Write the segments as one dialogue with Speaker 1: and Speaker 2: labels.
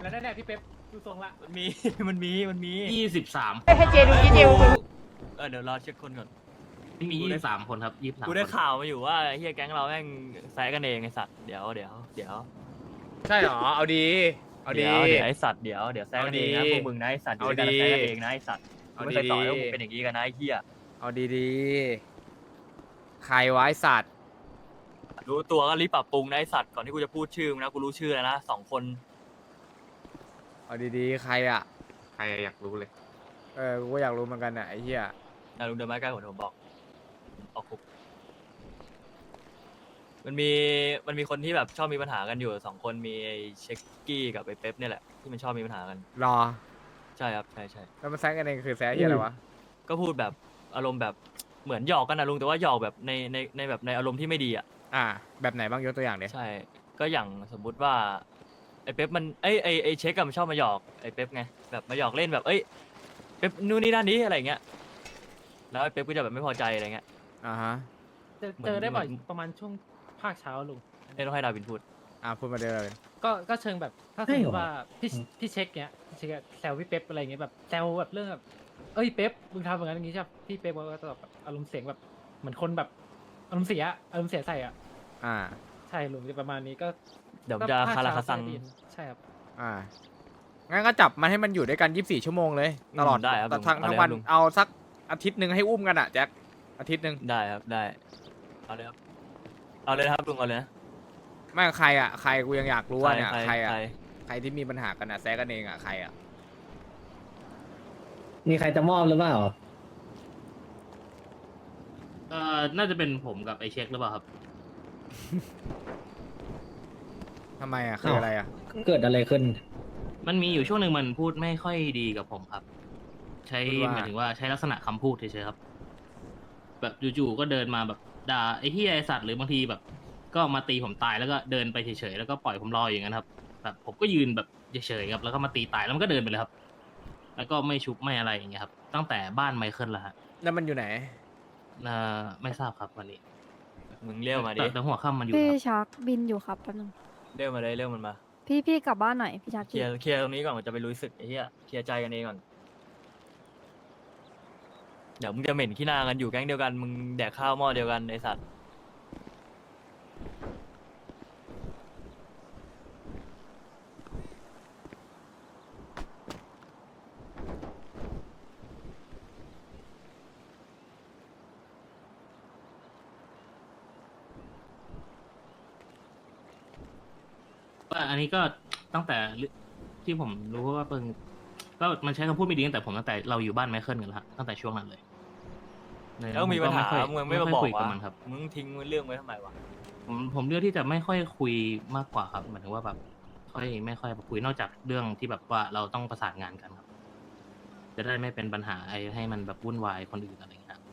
Speaker 1: แล้วแน่ๆพี่เป๊ปดูทรงละ
Speaker 2: มันมี มันมี
Speaker 3: 23
Speaker 4: ให้เจดูเจ
Speaker 2: เดี๋ยวรอเช็คคนก่อน
Speaker 3: มี23คนครับ23
Speaker 2: กูได้
Speaker 3: คน
Speaker 2: ข่าวมาอยู่ว่าเฮียแก๊งเราแม่งแซะกันเองไอสัตว์เดี๋ยว
Speaker 5: ใช่หรอเอาดีเอาดี
Speaker 2: เดี๋ยวไอสัตว์เดี๋ยวแซะกันเองนะ
Speaker 5: เอาดี
Speaker 2: พวกมึงนะไอสัตว์อยู่
Speaker 5: เอา
Speaker 2: ด้วยกัน
Speaker 5: ดี
Speaker 2: แซะกันเองนะไอสัตว์กู
Speaker 5: เอา
Speaker 2: ไม่เคยต่อย
Speaker 5: ดี
Speaker 2: ว่ามึงเป็นอย่างนี้กันนะไอเฮีย
Speaker 5: เอาดีๆใครวะไอ้สัตว์
Speaker 2: รู้ตัวก็รีบปรับปรุงนะไอสัตว์ก่อนที่กูจะพูดชื่อมึงนะกูรู้ชื่อแล้วนะ2 คน
Speaker 5: เอาดีๆใครอ่ะ
Speaker 3: ใครอยากรู้เลย
Speaker 5: กูก็อยากรู้เหมือนกันน่ะไอ้เหี้ย
Speaker 2: ลุงเดินมาใกล้ผมบอกออกคุกมันมีคนที่แบบชอบมีปัญหากันอยู่2 คนมีไอ้เช็คกี้กับไอ้เป๊ปเนี่ยแหละที่มันชอบมีปัญหากัน
Speaker 5: รอ
Speaker 2: ใช่ครับใช่
Speaker 5: แล้วมันแซงกันเองคือแซงเหี้ยอะไรวะ
Speaker 2: ก็พูดแบบอารมณ์แบบเหมือนหยอกกันนะลุงแต่ว่าหยอกแบบในแบบในอารมณ์ที่ไม่ดีอ่ะ
Speaker 5: แบบไหนบ้างยกตัวอย่างเดีย
Speaker 2: ใช่ ก็อย่างสมมุติว่าไอ้เป๊ปมันไอ้เช็คกับมันชอบมาหยอกไอ้เป๊ปไงแบบมาหยอกเล่นแบบเป๊ปนู่นนี่นั่นนี้อะไรเงี้ยแล้วไอ้เป๊ปก็จะแบบไม่พอใจอะไรเงี้ย
Speaker 5: ฮะ
Speaker 1: เจอได้บ่อยประมาณช่วงภาคเช้าลุง
Speaker 2: ต้องให้ดาวินพูด
Speaker 5: พูดมาเดิมเลย
Speaker 1: ก็เชิงแบบถ้าสมมติว่าพี่เช็คเนี้ยพี่เช็คอะแซวพี่เป๊ปอะไรเงี้ยแบบแซวแบบเรื่องแบบเอ้ยเป๊ปมึงทำอย่างนั้นอย่างนี้ใช่ปะพี่เป๊ปก็จะแบบอารมณ์เสียงแบบเหมือนคนแบบอารมณ์เสียใส่อ่ะ
Speaker 5: อ่า
Speaker 1: ใช่ลุงจะประมาณนี้ก็
Speaker 2: เดี๋ยวผมจะคาราคาซัง
Speaker 1: ใช่ครับ
Speaker 5: งั้นก็จับมันให้มันอยู่ด้วยกัน24 ชั่วโมงเลยตลอด
Speaker 2: ได้ครับ
Speaker 5: ทั้งวันเอาสักอาทิตย์หนึ่งให้อุ้มกันอ่ะแจ็คอาทิตย์หนึ่ง
Speaker 2: ได้ครับได้เอาเลยครับเอาเลยนะครับลุงเอาเลยนะ
Speaker 5: ไม่ใครอ่ะใครกูยังอยากรู้ว่าเนี่ยใครอ่ะ
Speaker 2: ใคร
Speaker 5: ใครที่มีปัญหากันอ่ะแซงกันเองอ่ะใครอ่ะ
Speaker 6: มีใครจะมอบหรือเปล่า
Speaker 3: น่าจะเป็นผมกับไอเช็คหรือเปล่าครับ
Speaker 5: ทำไมอ่ะคืออะไรอ่ะ
Speaker 6: เกิดอะไรขึ้น
Speaker 3: มันมีอยู่ช่วงหนึ่งมันพูดไม่ค่อยดีกับผมครับ ใช้
Speaker 5: พูดว่า
Speaker 3: หมายถึงว่าใช้ลักษณะคำพูดเฉยๆครับ แบบจู่ๆก็เดินมาแบบด่าไอ้ที่ไอสัตว์หรือบางทีแบบ ก็มาตีผมตายแล้วก็เดินไปเฉยๆแล้วก็ปล่อยผมรออย่างนั้นครับแบบผมก็ยืนแบบเฉยๆครับแล้วก็มาตีตายแล้วมันก็เดินไปเลยครับ แล้วก็ไม่ชุบไม่อะไรอย่างเงี้ยครับตั้งแต่บ้านไมเคิลแล้วฮะ
Speaker 5: แล้วมันอยู่ไหน
Speaker 3: ไม่ทราบครับวันนี้
Speaker 2: มึงเรียวมาดิ
Speaker 3: แต่หัวค่ำมันอยู่
Speaker 7: พี่
Speaker 3: ครับ
Speaker 7: ชักบินอยู่ครับแป๊บนึง
Speaker 2: เรียวมาเลยเรียวมันมา
Speaker 7: พี่กลับบ้านหน่อยพี่ชัก
Speaker 2: เคลียร์ตรงนี้ก่อนมันจะไปรู้สึกไอ้เหี้ยเคลียร์ใจกันเองก่อนเดี๋ยวมึงจะเหม็นขี้หน้ากันอยู่แก๊งเดียวกันมึงแดกข้าวหม้อเดียวกันไอสัตว์
Speaker 3: ว่าอันนี้ก็ตั้งแต่ที่ผมรู้ว่าเปิงก็มันใช้คำพูดไม่ดีตั้งแต่เราอยู่บ้านไมเคิลกันแล้วฮะตั้งแต่ช่วงนั้นเลย
Speaker 2: แล้วมีปัญหามึงไม่มาบอก
Speaker 3: คุยกับ
Speaker 2: วะ
Speaker 3: มันครับ
Speaker 2: มึงทิ้งเรื่องไว้ทำไมวะ
Speaker 3: ผมเลือกที่จะไม่ค่อยคุยมากกว่าครับหมายถึงว่าแบบไม่ค่อยคุยนอกจากเรื่องที่แบบว่าเราต้องประสานงานกันครับ จะได้ไม่เป็นปัญหาให้มันแบบวุ่นวายคนอื่นอะไรอย่างเงี้ยครับ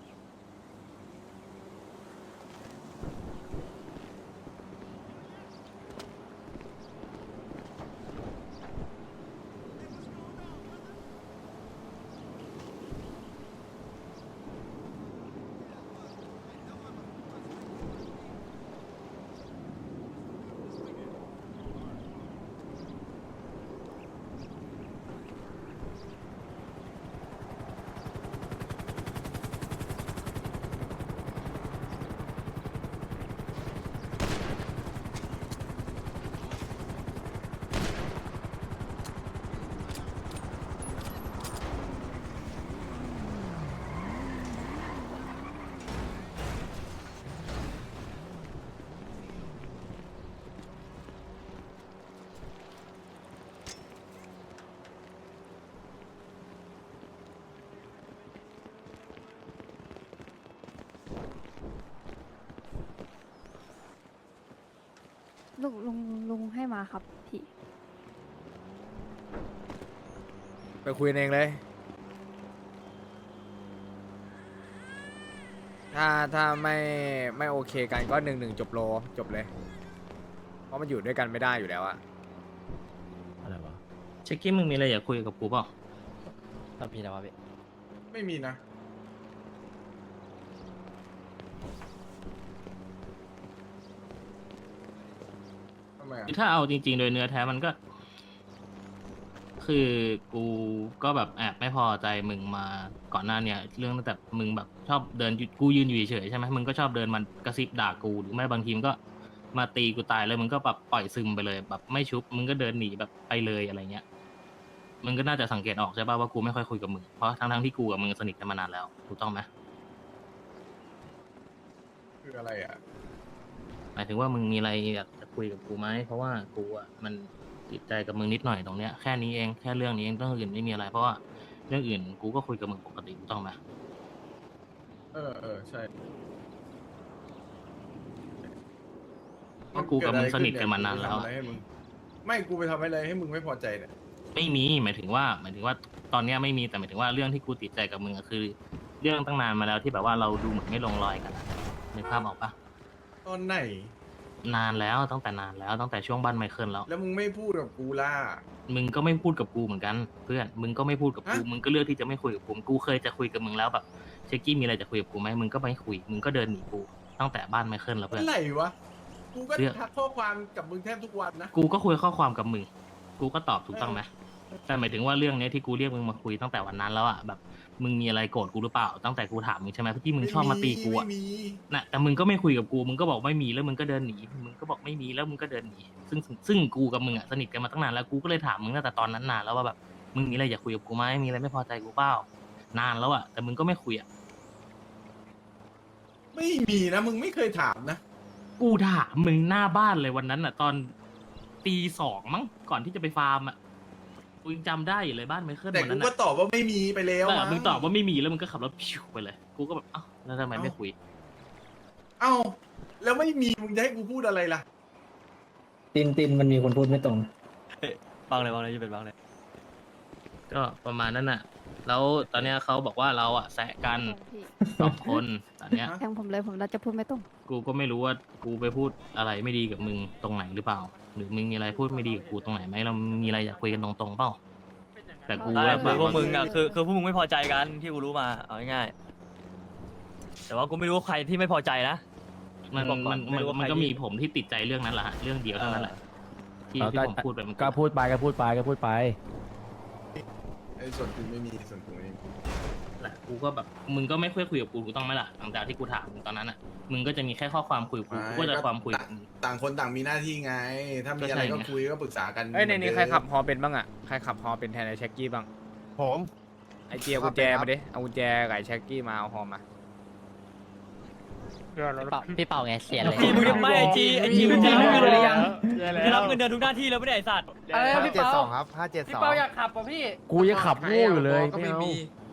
Speaker 7: ลุงให้มาครับพี่
Speaker 5: ไปคุยกันเองเลย ถ้าไม่โอเคกันก็1-1จบเลย เพราะมันอยู่ด้วยกันไม่ได้อยู่แล้วอะ
Speaker 2: อะไรวะ
Speaker 3: เช็คกี้มึงมีอะไรอยากคุยกับกูเปล่า
Speaker 2: ทำพี่นะวะพี่
Speaker 8: ไม่มีนะทำไมอ่ะ
Speaker 3: ถ้าเอาจริงๆโดยเนื้อแท้มันก็คือกูก็แบบแอบไม่พอใจมึงมาก่อนหน้าเนี่ยเรื่องตั้งแต่มึงแบบชอบเดินอยู่กูยืนอยู่เฉยๆใช่ไหมมึงก็ชอบเดินมากระซิบด่ากูหรือไม่บางทีมงก็มาตีกูตายเลยมึงก็แบบปล่อยซึมไปเลยแบบไม่ชุบมึงก็เดินหนีแบบไปเลยอะไรเงี้ยมึงก็น่าจะสังเกตออกใช่ป่ะว่ากูไม่ค่อยคุยกับมึงเพราะทั้งที่กูกับมึงสนิทกันมานานแล้วถูกต้องไหม
Speaker 4: คืออะไรอ่ะ
Speaker 3: หมายถึงว่ามึงมีอะไรอยากจะคุยกับกูไหมเพราะว่ากูอ่ะมันติดใจกับมึงนิดหน่อยตรงเนี้ยแค่นี้เองแค่เรื่องนี้เองเรื่องอื่นไม่มีอะไรเพราะว่าเรื่องอื่นกูก็คุยกับมึงปกติถูกต้องไหม
Speaker 4: ใช่
Speaker 3: เพราะกูกับมึงสนิทกันมานานแล้ว
Speaker 4: กูไปทำอะไรให้มึงไม่กูไปทำอะไรให้มึงไม่พอใจเนี่ย
Speaker 3: ไม่มีหมายถึงว่าตอนเนี้ยไม่มีแต่หมายถึงว่าเรื่องที่กูติดใจกับมึงอะคือ เรื่องตั้งนานมาแล้วที่แบบว่าเราดูเหมือนไม่ลงรอยกันอะนึกภาพออกปะ
Speaker 4: ตอนไหน
Speaker 3: นานแล้วตั้งแต่นานแล้วตั้งแต่ช่วงบ้านไมเคิลแล้ว
Speaker 4: แล้วมึงไม่พูดกับกูล่ะ
Speaker 3: มึงก็ไม่พูดกับกูเหมือนกัน เพื่อนมึงก็ไม่พูดกับกู
Speaker 4: ฮะ
Speaker 3: มึงก็เลือกที่จะไม่คุยกับกูกูเคยจะคุยกับมึงแล้วแบบเชคกี้มีอะไรจะคุยกับกูไหมมึงก็ไม่คุยมึงก็เดินหนีกูตั้งแต่บ้านไมเคิลแล้วเพื่อน
Speaker 4: อะไรวะ กูก็
Speaker 3: เรื่อง
Speaker 4: ทักข้อความกับมึงแทบทุกวันนะ
Speaker 3: กูก็คุยข้อความกับมึง กูก็ตอบถูกต้องไหมแต่หมายถึงว่าเรื่องเนี้ยที่กูเรียกมึงมาคุยตั้งแต่วันนั้นแล้วอ่ะแบบมึงมีอะไรโกรธกูหรือเปล่า ตั้งแต่กูถามมึงใช่ไหมที่มึงชอบมาตีกูอ่ะ
Speaker 4: ไม่มี
Speaker 3: น่ะแต่มึงก็ไม่คุยกับกู มึงก็บอกไม่มีแล้วมึงก็เดินหนี มึงก็บอกไม่มีแล้วมึงก็เดินหนี ซึ่งกูกับมึงอ่ะสนิทกันมาตั้งนานแล้ว กูก็เลยถามมึงตั้งแต่ตอนนั้นนานแล้วว่าแบบมึงมีอะไรอยากคุยกับกูไหมมีอะไรไม่พอใจกูเปล่านานแล้วอ่ะแต่มึงก็ไม่คุยอ่ะ
Speaker 4: ไม่มีนะ มึงไม่เคยถามนะ
Speaker 3: กูถามมึงหน้าบ้านเลยวันนั้นอ่ะ ตอนตี 2มั้งก่อนที่จะไปฟาร์มอ่ะกูยังจำได้อยู่เลยบ้านไมเคิล
Speaker 4: แต่
Speaker 3: วัน
Speaker 4: กู
Speaker 3: นั้น
Speaker 4: ก็
Speaker 3: อ่ะ
Speaker 4: ตอบว่าไม่มีไปแล้ว
Speaker 3: แต่
Speaker 4: มั้
Speaker 3: มึงตอบว่าไม่มีแล้วมึงก็ขับรถพิวไปเลย กูก็แบบเอ้าแล้วทำไมไม่คุย
Speaker 4: เอ้า แล้วไม่มี มึงจะให้กูพูดอะไรล่ะ
Speaker 6: ตินมันมีคนพูดไม่ตรง
Speaker 2: บางเลยจะเป็นบางเลย
Speaker 3: ก็ประมาณนั้นน่ะ แล้วตอนเนี้ยเขาบอกว่าเราอ่ะแซะกัน
Speaker 7: พี่
Speaker 3: 2 คนตอนเนี้ย
Speaker 7: แทงผมเลยผมเราจะพูดไม่ตรง
Speaker 3: กูก็ไม่รู้ว่ากูไปพูดอะไรไม่ดีกับมึงตรงไหนหรือเปล่า หรือมึงมีอะไรพูดไม่ดีกับกูตรงไหนไหมเรามีอะไรอยากคุยกันตรงๆเปล่า แต่กู
Speaker 2: ใช่
Speaker 3: แล้ว
Speaker 2: คือพวก
Speaker 3: แบบ
Speaker 2: มึงอ่ะคือพวกมึงไม่พอใจกันที่กูรู้มาเอาง่ายๆแต่ว่ากูไม่รู้ว่าใครที่ไม่พอใจนะ
Speaker 3: มัน
Speaker 2: บอกก่อน
Speaker 3: มัน
Speaker 2: ไม่รู้ว่า
Speaker 3: มัน
Speaker 2: ใคร
Speaker 3: ก็
Speaker 2: ที่
Speaker 3: มีผมที่ติดใจเรื่องนั้นแหละฮะเรื่องเดียวเท่านั้นแหละที่ผมพูดไปมัน
Speaker 8: ก็พูดไปก็พูดไปก็พูดไป
Speaker 4: ไอ้ส่วนกูไม่มี ส่วนกูไม่มี
Speaker 3: แหละกูก็แบบมึงก็ไม่ค่อยคุยกับกูถูกต้องไหมล่ะหลังจากที่กูถามมึงตอนนั้นอ่ะมึงก็จะมีแค่ข้อความคุยกับกูกูก็จะความคุยกับมึง
Speaker 4: ต่างคนต่างมีหน้าที่ไง ถ้ามีอะไร
Speaker 3: ก็
Speaker 4: ก็
Speaker 3: ใช่ไง
Speaker 4: คุยก็ปรึกษากัน
Speaker 5: เอ้ยในนี้
Speaker 4: เห
Speaker 5: ใค
Speaker 4: มื
Speaker 5: ร
Speaker 4: อนเดิม
Speaker 5: ขับฮอเป็นบ้างอ่ะ ใครขับฮอเป็นแทนไอ้แช็กกี้บ้าง
Speaker 8: ผม
Speaker 5: ไอ้เจียกุญแจมาดิ เอากุญแจกับไอ้แช็กกี้มาเอาฮอมา
Speaker 9: พี่เป่าไงเสียเลย
Speaker 2: จีมึงยังไม่ไอจีมึง
Speaker 1: จี
Speaker 2: ไม่
Speaker 1: ไม่
Speaker 2: มี
Speaker 1: มี
Speaker 2: เล
Speaker 1: เลย ย
Speaker 2: ยั
Speaker 1: ยัง ง
Speaker 2: จะรับเงินเดือนทุกหน้าที่แล้วไม่ได้ไอสัตว์
Speaker 1: อะไรนะพี่เปา
Speaker 8: ครับ
Speaker 1: พี่เปาอยากขับป่ะพี่
Speaker 8: กูยังขับโง่อยู่เลย
Speaker 5: ก็ไม่มี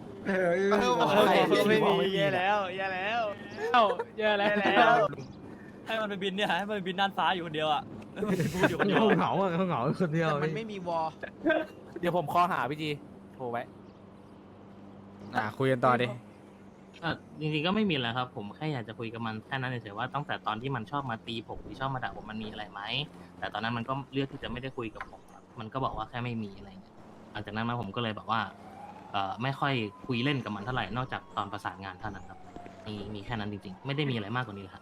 Speaker 8: ไม่มี
Speaker 2: แย่แล้วแย่แล้ว
Speaker 1: เอ้าเยอะแล้ว
Speaker 2: ให้มันไปบินเนี่ยให้มันไปบินน่านฟ้าอยู่คนเดียวอ่ะพูดอยู่คนเดียว
Speaker 8: เหงาอ่ะเหงาคนเดียว
Speaker 9: มันไม่มีวอล
Speaker 8: เดี๋ยวผมคอหาพี่จีโทรไว้
Speaker 5: คุยกันต่อดิ
Speaker 3: จริงๆก็ไม่มีอะไรครับ ผมแค่อยากจะคุยกับมันแค่นั้นเฉยๆว่าตั้งแต่ตอนที่มันชอบมาตีผมหรือชอบมาด่าผมมันมีอะไรไหมแต่ตอนนั้นมันก็เลือกที่จะไม่ได้คุยกับผมครับมันก็บอกว่าแค่ไม่มีอะไรเงี้ยหลังจากนั้นมาผมก็เลยแบบว่าไม่ค่อยคุยเล่นกับมันเท่าไหร่นอกจากตอนประสานงานเท่านั้นครับมีแค่นั้นจริงๆไม่ได้มีอะไรมากกว่านี้เลยครับ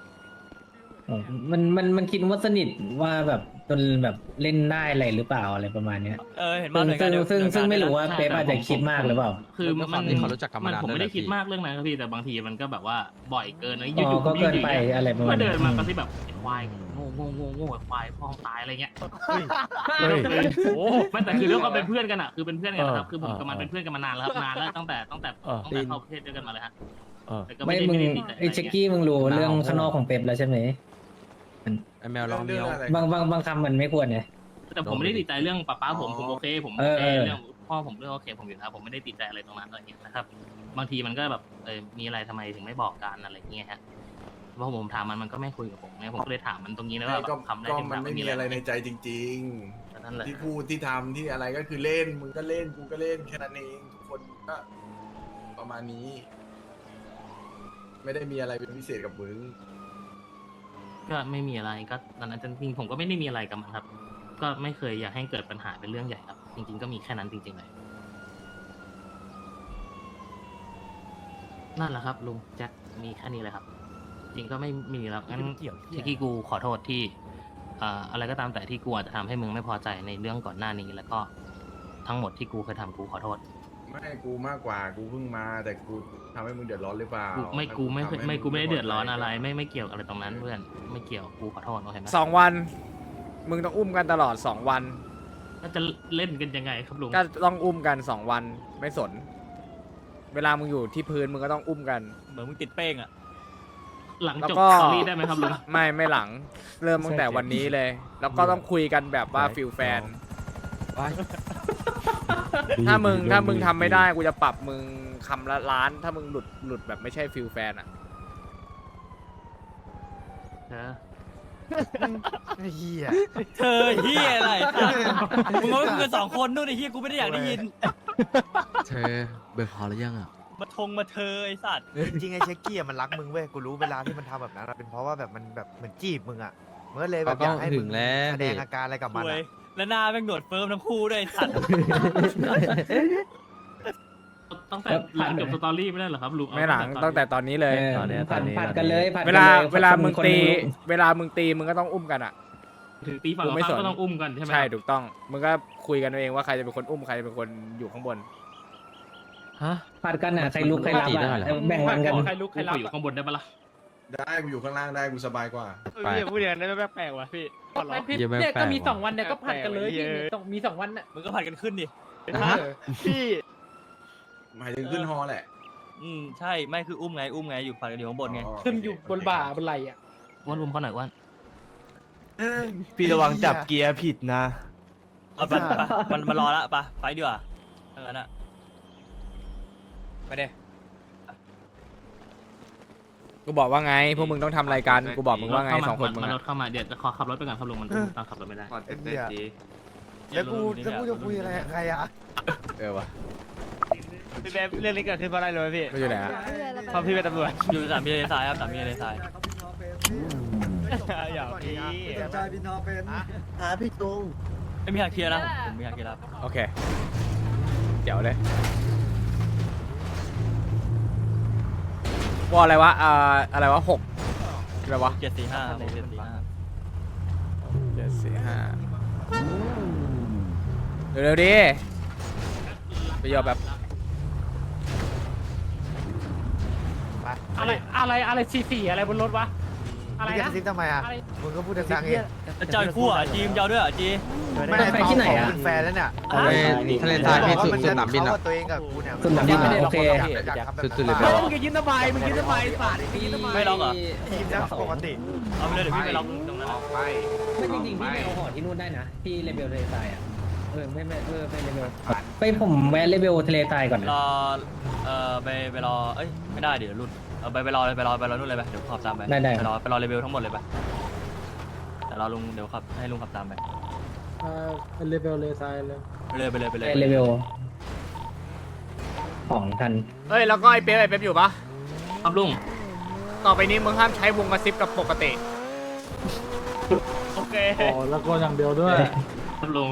Speaker 6: มันคิดว่าสนิทว่าแบบจนแบบเล่นได้อะไรหรือเปล่าอะไรประมาณเนี้ย
Speaker 2: เห็นมาเหมือนกัน
Speaker 6: ซึ่งไม่รู้ว่าเป๊ปอาจจะคิดมากหรือเปล่า
Speaker 3: คือมัน
Speaker 8: ที่เขารู้จักกันมานาน
Speaker 3: ผมไม่ได้
Speaker 8: ด้วยแหละ
Speaker 3: คิด
Speaker 8: พี่
Speaker 3: มากเรื่องนั้นครับพี่แต่บางทีมันก็แบบว่าบ่อยเกินนะ
Speaker 6: อ๋อก็เกินไปอะไรประมาณ
Speaker 3: ก็
Speaker 6: นั้น
Speaker 3: เดินมาก็ที่แบบไอ้ควายโง่ไอ้ควายพ่องตายอะไรเงี้ย
Speaker 8: เฮ้ยโอ้
Speaker 3: ไม่แต่คือเรื่องความเป็นเพื่อนกันอ่ะคือเป็นเพื่อนกันนะครับ
Speaker 8: เออ
Speaker 3: คือผมกับมันเป็นเพื่อนกันมานานแล้วครับนานแล้วตั้งแต่เข้าประเทศด้วยกันมาเลยฮะ
Speaker 8: เออ
Speaker 3: แต่ก็
Speaker 6: ไม่
Speaker 3: ด้
Speaker 6: มึง
Speaker 3: ด้ติดใจ
Speaker 6: ไอ้เช็กกี้มึงรู้เรื่องข้างนอกของเป๊ปแล้วใช่ไหม
Speaker 8: ไอแมวลองเมียว
Speaker 4: เรื่องอะไร
Speaker 6: บางคำมันไม่ควรไง
Speaker 3: แต่ผมไม่ได้ติดใจเรื่องป้าผมโอเคผมโอเค
Speaker 6: เออ
Speaker 3: เรื่องพ่อผมเรื่องโอเคผมอยู่แล้วผมไม่ได้ติดใจอะไรตรงนั้นอะไรเงี้ยนะครับ บางทีมันก็แบบมีอะไรทำไมถึงไม่บอกกันอะไรเงี้ยฮะเพราะผมถามมันก็ไม่คุยกับผมไงผมก็เลยถามมันตรงนี้นะว่า
Speaker 4: ก็
Speaker 3: ทำได้
Speaker 4: ก็
Speaker 3: ถึง
Speaker 4: มัน
Speaker 3: ถาม
Speaker 4: ไม่มีอะไรในใจจริง
Speaker 3: นั่นแหละ
Speaker 4: ๆ ที่พูดที่ทำที่อะไรก็คือเล่น มึงก็เล่น กูก็เล่นแค่นั้นเอง ทุกคนก็ประมาณนี้ ไม่ได้มีอะไรเป็นพิเศษกับมึง
Speaker 3: ก็ไม่มีอะไรก็ตอนนั้นจริงๆผมก็ไม่ได้มีอะไรกับมันครับ ก็ไม่เคยอยากให้เกิดปัญหาเป็นเรื่องใหญ่ครับ จริง ๆก็มีแค่นั้นจริงๆเลยนั่นแหละครับลุงแจ็คมีแค่นี้เลยครับ จริงก็ไม่มีแล้วงั้นที่กูขอโทษที่อะไรก็ตามแต่ที่กูอาจจะทำให้มึงไม่พอใจในเรื่องก่อนหน้านี้แล้วก็ทั้งหมดที่กูเคยทำกูขอโทษ
Speaker 4: ไม่กูมากกว่ากูเพิ่งมาแต่กูทำให้มึงเดือดร้อนหรือเปล่า
Speaker 3: กูไม่ได้เดือดร้อนอะไรไม่เกี่ยวอะไรตรงนั้นเพื่อนไม่เกี่ยวกูขอโทษโอเคไหม
Speaker 5: 2 วัน มึงต้องอุ้มกันตลอด 2 วัน
Speaker 3: ถ้าจะเล่นกันยังไงครับลุง
Speaker 5: ก็ต้องอุ้มกัน 2 วันไม่สน เวลามึงอยู่ที่พื้นมึงก็ต้องอุ้มกัน
Speaker 2: เหมือนมึงติดเป้งอ่ะ
Speaker 3: หลัง
Speaker 5: แล้ว
Speaker 3: จบ
Speaker 5: ก็
Speaker 3: สตอรี่ได้ไหมครับลุง
Speaker 5: ไม่หลังเริ่มตั้งแต่วันนี้เลย แล้วก็ต้องคุยกันแบบว่าฟิลแฟน ถ้ามึงทำไม่ได้กูจะปรับมึงคำละล้าน ถ้ามึงหลุดแบบไม่ใช่ฟิลแฟนอ่ะ
Speaker 9: เฮีย
Speaker 2: เธอเฮียอะไรสัตว์มึงว่ากูกันสองคนนู่นไอ้เฮียกูไม่ได้อยากได้ยิน
Speaker 8: เธอเบิกพอหรือยังอ่ะ
Speaker 2: มาเธอไอ้สัตว์
Speaker 9: จริงๆไอ้เช็กกี้อะมันรักมึงเว้ยกูรู้เวลาที่มันทำแบบนั้นอะเป็นเพราะว่าแบบมันแบบเหมือนจีบมึงอ่ะมันก็เลยแบบอยากให้มึงแสดงอาการอะไรกับมัน
Speaker 2: เว้ย
Speaker 9: อะ
Speaker 2: แล้วหน้าแม่งหนวดเฟิร์มทั้งคู่ด้วยไอ้สัตว์
Speaker 3: ตั้งแต่หลังจบสตอรี่ไม่ได้เหรอครับลุง
Speaker 5: ไม่หลังตั้งแต่ตอนนี้เลย
Speaker 6: ผัดกันเลยผัด
Speaker 5: เว
Speaker 6: กัน
Speaker 5: ลา
Speaker 6: เลย
Speaker 5: เวลามึง
Speaker 6: คน
Speaker 5: ตี
Speaker 6: หนึ่
Speaker 5: เวลามึงตีมึงก็ต้องอุ้มกันอ่ะ
Speaker 3: ถึงตีฝั่ง
Speaker 5: กูไม่
Speaker 3: เรา
Speaker 5: สน
Speaker 3: ก็ต้องอุ้มกันใช่ไหม
Speaker 5: ใช่ถูกต้อง มึงก็คุยกันเอาเองว่าใครจะเป็นคนอุ้มใครจะเป็นคนอยู่ข้างบน
Speaker 6: ผัดกันอ่ะใครลุกใครรับ
Speaker 8: ได้
Speaker 6: อ่ะ
Speaker 8: เหรอ
Speaker 6: แบ่งวันกัน
Speaker 1: ใครลุก
Speaker 3: กู
Speaker 1: ใคร
Speaker 3: ข
Speaker 1: รั
Speaker 3: อบ อยู่ข้างบนได้ปะล่ะ
Speaker 4: ได้กูอยู่ข้างล่างได้กูสบายกว่า
Speaker 8: ไป
Speaker 1: พี่พูดอย่างนั้นได้ไม่แปลกว่ะพี่
Speaker 8: เหี้ยแม่ง
Speaker 1: เนี่ย
Speaker 8: แปล
Speaker 1: ก็
Speaker 8: ก
Speaker 1: มี
Speaker 8: ว่ะ
Speaker 1: 2 วันเนี่ยก็ผัดกันเลยพี่มี2 วันน่ะ
Speaker 2: มึงก็ผัดกันขึ้นดิ
Speaker 1: พี่
Speaker 4: หมายถึงขึ้นฮอแหละ
Speaker 2: ใช่ไม่คืออุ้มไงอยู่ผัดกันอยู่ข้างบนไง
Speaker 1: ขึ้นอยู่บนบ่าบนไหล่อ่ะ
Speaker 3: อ้วนรุมเขาหน่อยอ้วน
Speaker 9: พี่ระวังจับเกียร์ผิดนะ
Speaker 2: เอาไปมันมารอละปะไปดีกว่าถ้างั้นอะ
Speaker 5: ไปเด้กูบอกว่าไง พวกมึงต้องทำรายการกูบอกมึงว่าไง2 คนมึง
Speaker 3: มันร
Speaker 5: อะ
Speaker 3: ถเข้ามาเดี๋ยวจะขอขับรถไปก่อนครับลุงมันตามขับรถไม่ได้
Speaker 9: แล้วกูจะคุยอะไรกับใครอ่ะ
Speaker 5: วะ
Speaker 1: พี่แบบเรื่องนี้เกิดขึ้นเพราะอะไรรู้ไหมพี่
Speaker 5: ก็อยู่ไหนอะ
Speaker 1: เพราะพี่เป็นตำรวจ
Speaker 2: อยู่สามมีเลนซ้ายครับสามมีเลนซ้าย
Speaker 1: อย่าพี่
Speaker 9: พี่ตุง
Speaker 2: ไม่มีทางเคลียร์นะผมมีทางเคลียร์แล้ว
Speaker 5: โอเคเดี๋ยวเลยวออะไรวะอะไรวะ6อะไรวะ
Speaker 2: 745
Speaker 5: 745เร็วๆดิไปยอแบบ
Speaker 1: อะไร44อะไรบนรถวะอะไร
Speaker 9: มึงจะ
Speaker 1: นะ
Speaker 9: ซิปทำไมอ่ะ
Speaker 1: อะไร
Speaker 9: มึงก็พูดดังๆเอง
Speaker 2: เจ้าคู่อ่ะจีมเจ้าด้วยอ่ะจี
Speaker 9: ไม่ได้ที่ไหนอ่ะเป็นแฟนแล้วเนี่ย
Speaker 8: ไปทะเลทรายพี่สุดสนามบิน
Speaker 9: เขา
Speaker 8: อ่ะ
Speaker 9: กับตัวเองกับกูเนี่ย
Speaker 6: สุดหนังบินอ่ะโอเค
Speaker 8: สุดๆเลย
Speaker 1: มึงจะยิ้มทำไมมึงยิ้มทำไมสาดยิ้มทำไม
Speaker 2: ไม่ล็อกเหรอ
Speaker 9: ทีมนะปกติ
Speaker 2: เอาไปเลยเดี๋ยวพี่ไปล็อกตรงนั้น
Speaker 4: ไป
Speaker 6: ไม่จริงๆพี่ไปเอาหอที่นู่นได้นะที่เลเวลทะเลทรายอ่ะไม่ไปเลเวลไปผมแวะเลเวลทะเลทรายก่อนนะ
Speaker 2: รอไปรอเอ้ยไม่ได้เดี๋ยวรุ่นไปรอนู่นเลยไปเดี๋ยวขับตามไปไปรอเลเวลทั้งหมดเลยไปแต่รอลุงเดี๋ยวขับให้ลุงขับตามไป
Speaker 1: เลเวลเลยทรายเลย
Speaker 2: ไปเลย
Speaker 6: ไปเลเวลของทัน
Speaker 5: เฮ้ยแล้วก็ไอ้เป๊ปอยู่ปะ
Speaker 3: ครับลุง
Speaker 5: ต่อไปนี้มึงห้ามใช้วงกระซิบกับปกติ
Speaker 2: โอเค
Speaker 1: แล้วก็อย่างเดียวด้วย
Speaker 3: ครับลุง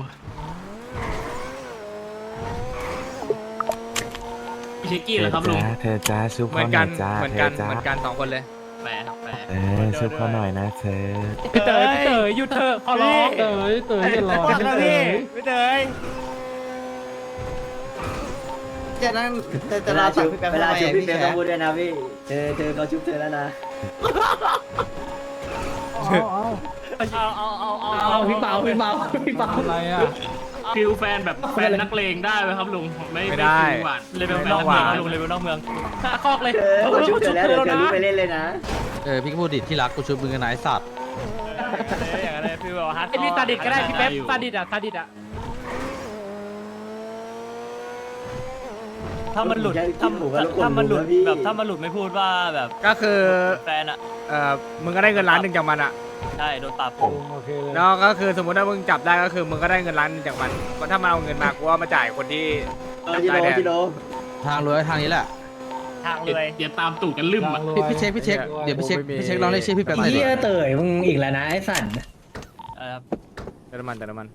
Speaker 3: พี่เช็กกี้เหรอครับลุง
Speaker 10: เธอจ้าชุบ
Speaker 5: เหมื
Speaker 10: เขา
Speaker 5: อน
Speaker 10: ห
Speaker 5: กั
Speaker 10: น่อน ยจ้า
Speaker 5: เหมือน
Speaker 10: เธ
Speaker 5: กั
Speaker 10: อน จ้า
Speaker 5: เหมือนกัน2 คนเลย
Speaker 3: แปะครับแปะ
Speaker 10: ชุบเขาหน่อยนะเธอ
Speaker 1: พี่เต๋อหยุดเถอะขอร้องเต๋ออย่าร้องพี่เต๋อ
Speaker 9: จะนั่งจะรอตัดพี่แป๊บ
Speaker 6: เวลาชุบพี่เป๊ป
Speaker 9: แฉ
Speaker 6: ต้องพูดด้วยนะพี่เธอเขาชุบเธอแล้วนะเอาพี่เปา
Speaker 1: อะไรอ่ะ
Speaker 3: ฟิลแฟนแบบแฟนนักเลงได้ไหมครับลุงไม่
Speaker 5: ไม่ได้
Speaker 3: ฟิลหวาน
Speaker 2: เลเวลนอกเมืองลุงเลเวลนอกเมือง
Speaker 1: คอกเลย
Speaker 6: เขาชุบเธอแล้วเดี๋ยวเธอลุกไปเล่นเลยนะ
Speaker 8: พี่ก็พูดดิที่รักกูชุบมึงกันนายสัตว์
Speaker 2: อย่างนั้นพี่แบบฮาร์ด
Speaker 1: ไอพี่ซาดิสก็ได้พี่เป๊ปซาดิสอ่ะ
Speaker 2: ถ้ามันหลุดถ้ามันหลุดแบบถ้ามันหลุดไม่พูดว่าแบบ
Speaker 5: ก็คือ
Speaker 2: แฟนอ่ะ
Speaker 5: มึงก็ได้เงินล้านหนึ่งจากมันอะ
Speaker 2: ใช่โดนปรับ
Speaker 1: โอเคเลย
Speaker 5: แล้วก็คือสมมติถ้ามึงจับได้ก็คือมึงก็ได้เงินล้านหนึ่งจากมันเพราะถ้ามันเอาเงินมากูว่ามาจ่ายคนที่ได้แดง
Speaker 8: ทางรวยทางนี้แหละ
Speaker 1: ทางเลย
Speaker 3: เดี๋ยวตามตู่กันลืมอ่ะ
Speaker 8: พี่เช็คเดี๋ยวพี่เช็คลองเรียกชื่อพี่แป๊บหน่อย
Speaker 6: เฮี
Speaker 8: ดิ
Speaker 6: ยเต๋ยมึงอีกแล้วนะไอ้สัน
Speaker 5: แต่น้ำมัน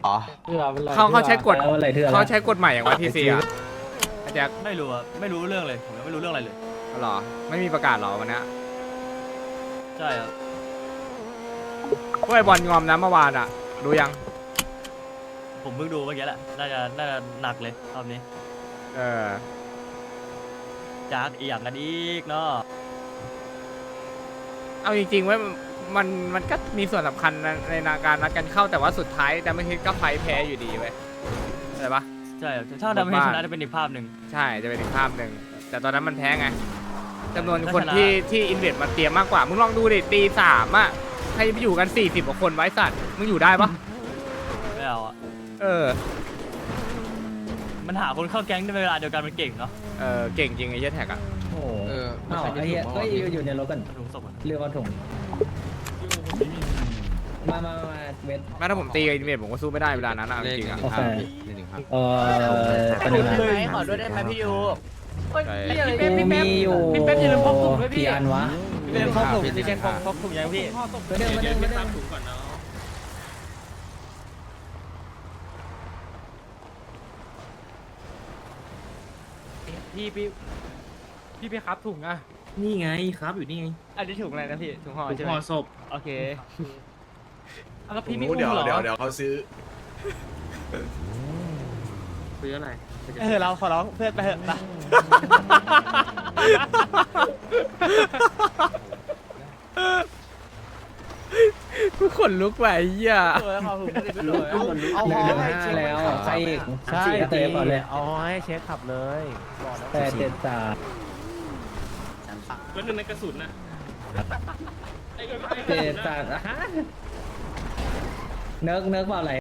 Speaker 8: อ๋อ
Speaker 5: เขาใช้กฎ
Speaker 6: แล้วอะไรเถื่อน
Speaker 5: เขาใช้กฎใหม่อย่างว่าทีซีอ่ะไอ้แจ็ค
Speaker 2: ไม่รู้อะไม่รู้เรื่องเลยผมยังไม่รู้เรื่องอะไรเลย
Speaker 5: เหรอไม่มีประกาศเหรอวันนี้
Speaker 2: ใช่ครับ
Speaker 5: พวกไอ้บอลงอมนะเมื่อวานอ่ะดูยัง
Speaker 2: ผมเพิ่งดูเมื่อกี้แหละน่าจะหนักเลยรอบนี้
Speaker 5: เออ
Speaker 2: จากอีกอย่างกันอีกเนาะ
Speaker 5: เอาจริงๆไว้ยมันก็มีส่วนสำคัญในการนัดกันเข้าแต่ว่าสุดท้ายแต่ไม่คิดก็ไฟแพ้อยู่ดีเว้ยอะไรปะ
Speaker 2: ใช่ครับถ้าทำให้ชนะจะเป็นอีกภาพหนึ่ง
Speaker 5: ใช่จะเป็นอีกภาพหนึ่งแต่ตอนนั้นมันแพ้ไงจำนวน
Speaker 2: ถ้า
Speaker 5: คน
Speaker 2: ชนะ
Speaker 5: ที่อินเวสมาเตรียมมากกว่ามึงลองดูดิตีสามอ่ะใครจะไปอยู่กัน40กว่าคนไว้สัตว์มึงอยู่ได้ปะ
Speaker 2: ไม่เอาอะ
Speaker 5: เออ
Speaker 2: มันหาคนเข้าแก๊งในเวลาเดียวกันมันเก่งเนาะ
Speaker 5: เออเก่งจริงไอ้เหี้ยแท็กอ่ะ
Speaker 6: โอ้โห
Speaker 8: เออ
Speaker 6: อ้าวไอ้เหี้ยเอ้ยอยู่ในรถกัน
Speaker 2: ถุงศพอะ
Speaker 6: เรือว่าถุงมาเวท
Speaker 5: แม้ถ้าผมตีกับอินเวสผมก็สู้ไม่ได้เวลานั้นอะเอาจริงๆอ่ะ
Speaker 6: โอเค
Speaker 8: 115
Speaker 6: ตอนนี้นะ
Speaker 9: ขอด้วยได้ไหมพี่ยู
Speaker 5: ใช่
Speaker 6: กูมีอยู่
Speaker 1: พี่เป๊ปอย่าลืมพกถุงด้วยพี่
Speaker 6: กี่อันวะ
Speaker 2: พี่เป็นพกถุงพี่เป็นพกถุงยังพี่
Speaker 6: มาเดินมาเดินมาเดิน
Speaker 3: ถุงก่อนเนาะ
Speaker 1: พี่ไปครับถุงอ่ะ
Speaker 3: นี่ไงครับอยู่นี่ไง
Speaker 2: อันนี้ถุงอะไรนะพี่ถุงห่อ
Speaker 3: ถุง
Speaker 2: ใช่ไหม
Speaker 3: ห่อศพ
Speaker 2: โอเค
Speaker 1: เอาแล้วพี่ไม่
Speaker 4: โอ้
Speaker 1: อุ้
Speaker 4: เดี๋ยว
Speaker 1: มเหรอ
Speaker 4: เดี๋ยวเขาซื้อ
Speaker 3: ซื้ออะไร
Speaker 2: เราขอร้องเพื่อนไปเถอะไป
Speaker 5: กูขนลุกว่ะไอ้เหี้ย
Speaker 2: ขอถุงไม่ได้ไปเลย
Speaker 6: เอาเหลือ5แล้วใครอีกสี่เตะก่อนเลย
Speaker 9: เอาให้เช็คขับเลย
Speaker 6: แต่เจ็ดสาม
Speaker 3: แล้วหนึ่งในกระสุนน่ะ
Speaker 6: เจ็ดสามฮะเนิร์กเปล่าอะไร